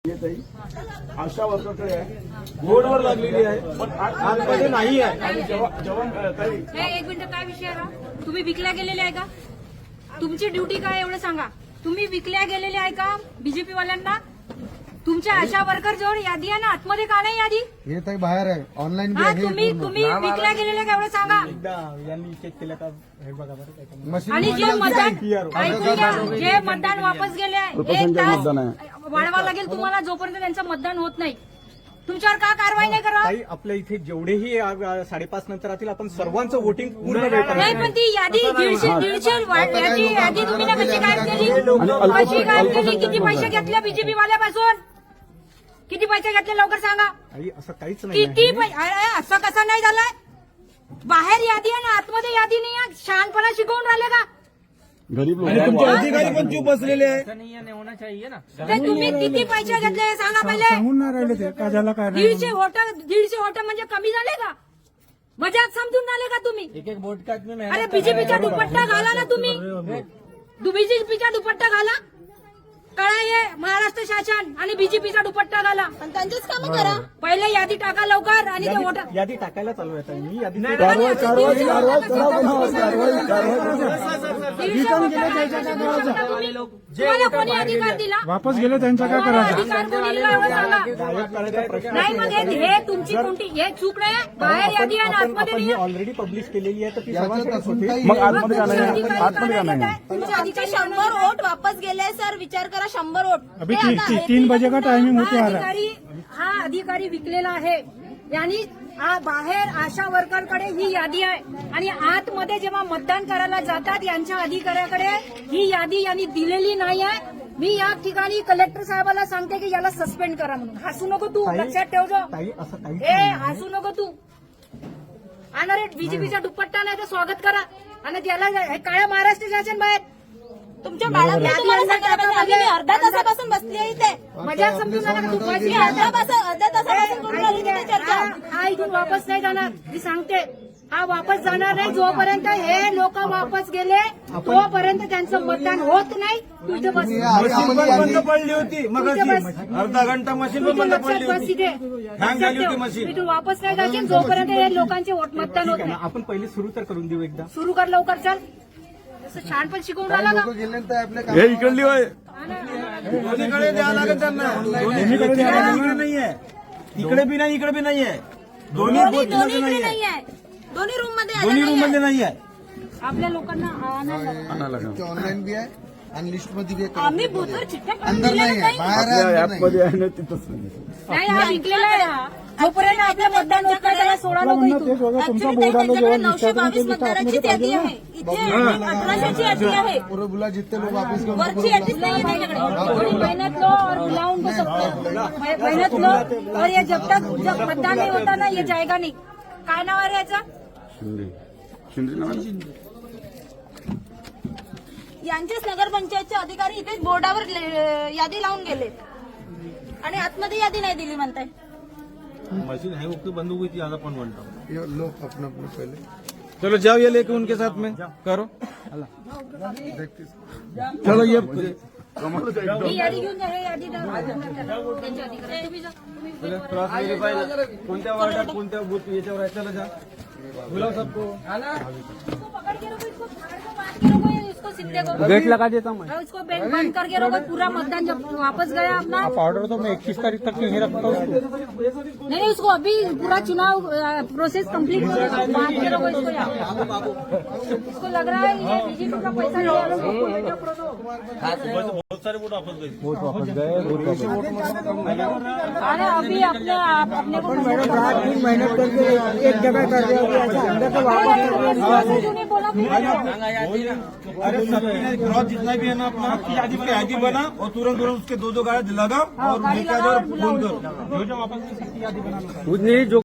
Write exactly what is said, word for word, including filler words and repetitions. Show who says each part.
Speaker 1: आशा वर्करकडे आहे, बोर्डवर लागलेली आहे, पण आतमध्ये नाही आहे. आणि जेव्हा जेव्हा ताई
Speaker 2: हे एक मिनिट, काय विषय आहे का? तुम्ही विकल्या गेलेले आहे का? तुमची ड्युटी काय एवढं सांगा. तुम्ही विकल्या गेलेले आहे का बीजेपी वाल्यांना? तुमच्या आशा वर्कर जवळ यादी आहे ना, आतमध्ये का नाही यादी?
Speaker 3: हे ताई बाहेर आहे, ऑनलाईन
Speaker 2: हा, तुम्ही तुम्ही विकल्या गेलेले का एवढं सांगा.
Speaker 1: एकदा यांनी चेक केलं का हे बघा बरं काय
Speaker 3: मशीन
Speaker 2: आणि जे मतदान ऐकून घ्या, जे मतदान वापस गेले एक तास वाढवा लागेल तुम्हाला जोपर्यंत त्यांचं मतदान होत नाही. तुमच्यावर का कारवाई नाही करा?
Speaker 1: ताई आपल्या इथे जेवढेही आ- साडेपाच नंतर राहतील आपण सर्वांचं वोटिंग पूर्ण भेटणार
Speaker 2: नाही, पण ती यादी दीडशे दीडशे वाट- याची यादी तुम्ही ना कशी गायब केली? कशी गायब केली? किती पैसे घेतले बीजेपी वाल्यापासून? किती पैसे घेतले लवकर सांगा.
Speaker 1: ताई असं काहीच नाही
Speaker 2: किती
Speaker 1: आहे.
Speaker 2: पै- अरे, असं कसं नाही झालंय? बाहेर यादी आहे ना, आतमध्ये यादी नाही आहे. शहाणपणा शिकवून राहिले का?
Speaker 1: आणि तुमचे अधिकारी पण चूप बसलेले आहे.
Speaker 2: ते तुम्ही किती पैसे घेतले हे सांगा पहिले. दीडशे होट दीडशे होट म्हणजे कमी झाले का? मजाक समजून आले का तुम्ही?
Speaker 1: एक एक बोट काढणे
Speaker 2: अरे बीजेपीचा दुपट्टा घाला ना तुम्ही. बीजेपीचा दुपट्टा घाला. कळा हे महाराष्ट्र शासन आणि बीजेपीचा दुपट्टा घाला.
Speaker 4: पण त्यांचेच कामं करा.
Speaker 2: पहिले यादी टाका लवकर आणि ते वोट
Speaker 1: यादी टाकायला चालू आहे ताई. मी यादी
Speaker 2: कारवाई कारवाई तुम्हाला कोणी अधिकार दिला?
Speaker 3: वापस गेले त्यांचा काय करायचं?
Speaker 2: अधिकार कोणी दिला एवढं सांगा.
Speaker 1: गायब करायचा प्रश्न
Speaker 2: नाही, मग हे हे तुमची कोणती हे चूक नाही. बाहेर यादी आहे ना,
Speaker 1: आपण
Speaker 2: आतमध्ये
Speaker 1: आपण
Speaker 2: नाही
Speaker 1: ही
Speaker 2: आहे.
Speaker 1: ऑलरेडी पब्लिश केलेली आहे तर ती
Speaker 3: याच्यात
Speaker 1: सर्वांसाठी
Speaker 3: असून
Speaker 1: होती.
Speaker 3: काही-
Speaker 1: मग
Speaker 2: मग
Speaker 1: आतमध्ये का
Speaker 2: तुमचे
Speaker 1: नाही
Speaker 2: अधिकारी
Speaker 1: आतमध्ये का
Speaker 2: काय
Speaker 1: नाही
Speaker 2: करताय? तुमचे
Speaker 4: आमचे
Speaker 2: अधिकारी
Speaker 4: शंभर वोट वापस गेले सर, विचार करा शंभर वोट.
Speaker 3: अभी
Speaker 4: ते
Speaker 3: ती-
Speaker 4: आता
Speaker 3: ती-
Speaker 4: आहे.
Speaker 3: तीन बजे का टाइमिंग होते
Speaker 2: हा
Speaker 3: आ रहा है.
Speaker 2: अधिकारी हा अधिकारी विकलेला आहे. यांनी आ- बाहेर आशा वर्करकडे ही यादी आहे आणि आतमध्ये जेव्हा मतदान करायला जातात यांच्या अधिकाऱ्याकडे ही यादी यांनी दिलेली नाही आहे. मी या ठिकाणी कलेक्टर साहेबाला सांगते की याला सस्पेंड करा म्हणून. हसू नको तू,
Speaker 1: ताई-
Speaker 2: लक्षात ठेव जो.
Speaker 1: ताई असं काहीच
Speaker 2: ए
Speaker 1: नाही.
Speaker 2: हसू नको तू. आणि रे बीजेपीचा दुपट्टा नाही तर स्वागत करा आणि त्याला हे काळ्या महाराष्ट्र शासन बाहेर.
Speaker 4: तुमच्या मॅडमने तुम्हाला सांगायला पाहिजे. आम्ही मी अर्धा तासापासून बसली आहे इथे.
Speaker 2: मजा समजून आला का तू?
Speaker 4: मी अर्धा तास- अर्धा तासापासून करून राहिली तिथे चर्चा.
Speaker 2: हा हा इथून वापस नाही जाणार. मी सांगते हा वापस जाणार नाही जोपर्यंत हे लोक वापस गेले तोपर्यंत त्यांचं मतदान होत नाही. तू इथे बस.
Speaker 1: मशीन पण बंद पडली होती मग
Speaker 2: इथे बस.
Speaker 1: अर्धा घंटा मशीन
Speaker 2: तू
Speaker 1: पण
Speaker 2: इथे
Speaker 1: बंद
Speaker 2: लक्षात
Speaker 1: पडली
Speaker 2: बस
Speaker 1: होती.
Speaker 2: इथे.
Speaker 1: हँग झाली होती
Speaker 2: लक्षात
Speaker 1: मशीन.
Speaker 2: ठेव. इथून वापस नाही जायचे जोपर्यंत हे लोकांचे वोट मतदान होत नाही.
Speaker 1: आपण पहिले सुरू तर करून देऊ एकदा.
Speaker 2: सुरू कर लवकर, चल. असं छान पण शिकवून राहिला
Speaker 3: लोक
Speaker 2: का?
Speaker 3: गेले तर आपले
Speaker 1: हे इकडली होय दोन्हीकडे द्यावं लागेल त्यांना. दोन्हीकडे द्यावं नाहीये. इकडे बी नाही इकडे बी नाहीये. दोन्ही
Speaker 4: दोन्ही
Speaker 1: बोट
Speaker 4: दोन्ही
Speaker 1: मध्ये
Speaker 4: इकडे
Speaker 1: नाहीये.
Speaker 4: नाही आहे. दोन्ही रूम मध्ये आलं
Speaker 1: दोन्ही रूम
Speaker 4: नाहीये.
Speaker 1: मध्ये नाहीये.
Speaker 2: आपल्या लोकांना आणायला लागलं.
Speaker 3: ऑनलाईन भी आहे आणि लिस्ट मध्ये भी आहे.
Speaker 4: आम्ही बुथवर चिठ्ठ्या काढून
Speaker 3: अंदर
Speaker 4: दिलेल्या
Speaker 3: नाही आहे,
Speaker 4: नाही.
Speaker 3: बाहेर आहे, अंदर नाही.
Speaker 2: नाही, हा विकलेला आहे हा. जोपर्यंत आपलं मतदान होत नाही त्याला सोडा नको इथून.
Speaker 4: Actually ताई त्यांच्याकडे नऊशे बावीस मतदारांचीच यादी आहे. इथे अठराशेची यादी आहे.
Speaker 3: पूरे बुला जितने लोग वापस गए
Speaker 4: वरची यादीच नाही आहे त्यांच्याकडे.
Speaker 2: थोड़ी मेहनत लो और बुलाओ उनको सबको. मेहनत लो और ये जब तक जब मतदान नहीं होता ना ये जाएगा नहीं. काय नाव आहे याचं?
Speaker 4: यांचेच नगरपंचायतचे अधिकारी इथे बोर्डावर ले- यादी लावून गेले आणि आतमध्ये यादी नाही दिली म्हणताय.
Speaker 1: मशीन है उसकी बंद हुई थी ज्यादा पन बनता.
Speaker 3: ये लोग अपना अपना पहले
Speaker 1: चलो जाओ ये लेके उनके साथ में करो. चलो ये
Speaker 2: ही यादी घेऊन जा. हे यादी द्या. त्यांच्या अधिकारी. तुम्ही जा. तुम्ही
Speaker 1: क्रॉस व्हेरीफाय कोणत्या वार्डात कोणत्या बूथ याच्यावर आहे. चला जा बुलाओ सबको.
Speaker 2: इसको पकड़ के रखो, इसको फाड़ के बांध के रखो, ये इसको सीधे करो.
Speaker 1: गेट लगा देता हूँ मैं.
Speaker 2: और इसको बैंक बंद करके रखो. पूरा मतदान जब वापस गया अपना
Speaker 1: ऑर्डर तो मैं इक्कीस तारीख तक नहीं रखता हूँ.
Speaker 2: नहीं, उसको अभी पूरा चुनाव अ, प्रोसेस कंप्लीट करो. बांध के रखो इसको यहाँ. इसको लग रहा है ये बीजेपी का पैसा लिया लोगों को.
Speaker 1: बहुत सारे वोट वापस गए. वोट वापस गए. वोट वापस
Speaker 2: अरे अभी अपने आप अपने को
Speaker 3: मेहनत करके एक जगह कर दिया अंदर से
Speaker 2: तूने बोला
Speaker 1: अरे सबने क्रॉस जितना भी है ना अपना आपकी यादी पे यादी बना और तुरंत तुरंत उसके दो दो गाड़ी लगाओ और लेकर फोन करो. जो जो वापस यादी बना कुछ नहीं जो